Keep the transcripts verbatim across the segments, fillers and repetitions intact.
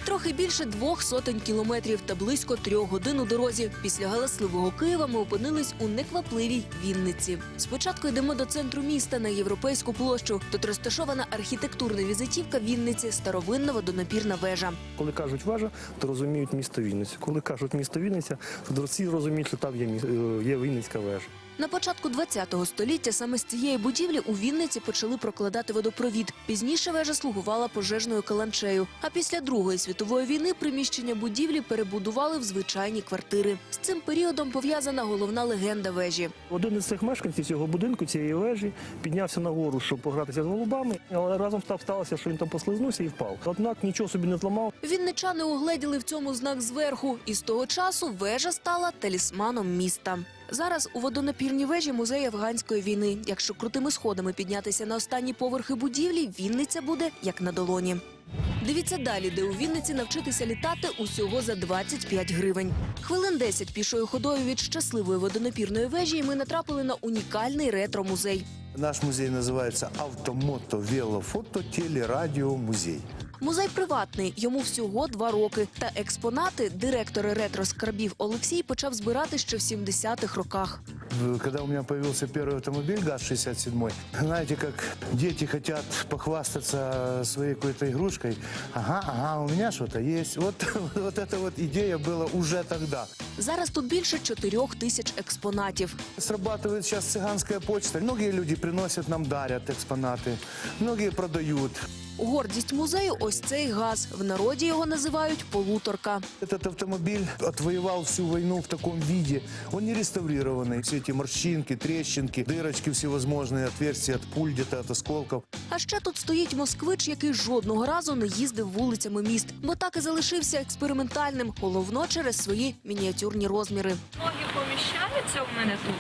Трохи більше двох сотень кілометрів та близько трьох годин у дорозі. Після галасливого Києва ми опинились у неквапливій Вінниці. Спочатку йдемо до центру міста на Європейську площу. Тут розташована архітектурна візитівка Вінниці – старовинна водонапірна вежа. Коли кажуть вежа, то розуміють місто Вінниця. Коли кажуть місто Вінниця, то всі розуміють, що там є, є Вінницька вежа. На початку ХХ століття саме з цієї будівлі у Вінниці почали прокладати водопровід. Пізніше вежа слугувала пожежною каланчею. А після Другої світової війни приміщення будівлі перебудували в звичайні квартири. З цим періодом пов'язана головна легенда вежі. Один із цих мешканців цього будинку, цієї вежі, піднявся нагору, щоб погратися з голубами, але разом сталося, що він там послизнувся і впав. Однак нічого собі не зламав. Вінничани угледіли в цьому знак зверху. І з того часу вежа стала талісманом міста. Зараз у водонапірній вежі музей афганської війни. Якщо крутими сходами піднятися на останні поверхи будівлі, Вінниця буде як на долоні. Дивіться далі, де у Вінниці навчитися літати усього за двадцять п'ять гривень. Хвилин десять пішою ходою від щасливої водонапірної вежі, і ми натрапили на унікальний ретро-музей. Наш музей називається «Автомото, велофото, телерадіомузей». Музей приватний, йому всього два роки. Та експонати директор ретро-скарбів Олексій почав збирати ще в сімдесятих роках. Когда у меня появился первый автомобиль ГАЗ шестьдесят семь, знаете, как дети хотят похвастаться своей какой-то игрушкой. Ага, ага, у меня что-то есть. Вот, вот эта вот идея была уже тогда. Зараз тут більше чотирьох тисяч експонатів. Срабатывает сейчас цыганская почта. Многие люди приносят нам, дарят экспонаты. Многие продают. Гордість музею – ось цей газ. В народі його називають «полуторка». Этот автомобиль отвоевал всю войну в таком виде. Он не реставрированный. Все эти морщинки, трещинки, дырочки всевозможные, отверстия от пуль, где-то от осколков. А ще тут стоїть москвич, який жодного разу не їздив вулицями міст. Бо так і залишився експериментальним, головно через свої мініатюрні розміри. Ноги поміщаються у мене тут,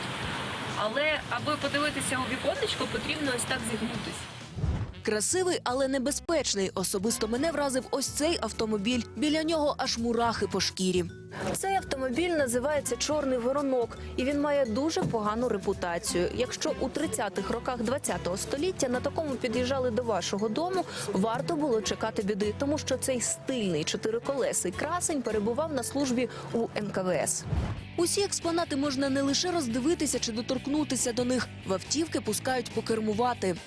але аби подивитися у віконечко, потрібно ось так зігнутися. Красивий, але небезпечний. Особисто мене вразив ось цей автомобіль. Біля нього аж мурахи по шкірі. Цей автомобіль називається «Чорний воронок», і він має дуже погану репутацію. Якщо у тридцятих роках ХХ століття на такому під'їжджали до вашого дому, варто було чекати біди, тому що цей стильний чотириколесий красень перебував на службі у ен ка ве ес. Усі експонати можна не лише роздивитися чи доторкнутися до них. В автівки пускають покермувати.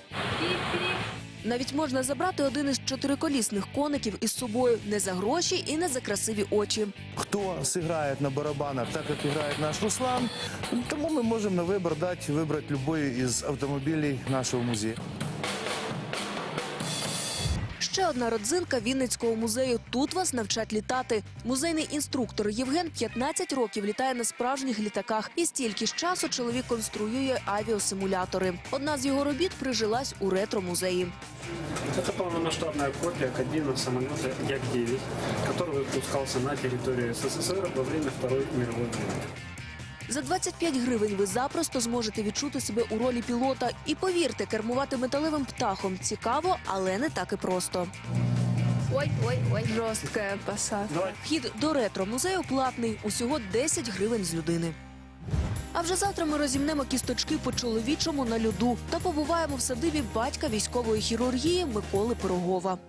Навіть можна забрати один із чотириколісних коників із собою не за гроші і не за красиві очі. Кто сыграет на барабанах так, как играет наш Руслан, тому мы можем на выбор дать, выбрать любой из автомобилей нашего музея. Ще одна родзинка Вінницького музею. Тут вас навчать літати. Музейний інструктор Євген п'ятнадцять років літає на справжніх літаках. І стільки ж часу чоловік конструює авіасимулятори. Одна з його робіт прижилась у ретро-музеї. Это полномасштабная копия кабины самолета Як девять, который выпускался на территории эс эс эс эр во время Второй мировой войны. За двадцять п'ять гривень ви запросто зможете відчути себе у ролі пілота. І повірте, кермувати металевим птахом цікаво, але не так і просто. Ой, ой, ой, жорстка посадка. Вхід до ретро-музею платний, усього десять гривень з людини. А вже завтра ми розімнемо кісточки по-чоловічому на льоду та побуваємо в садибі батька військової хірургії Миколи Пирогова.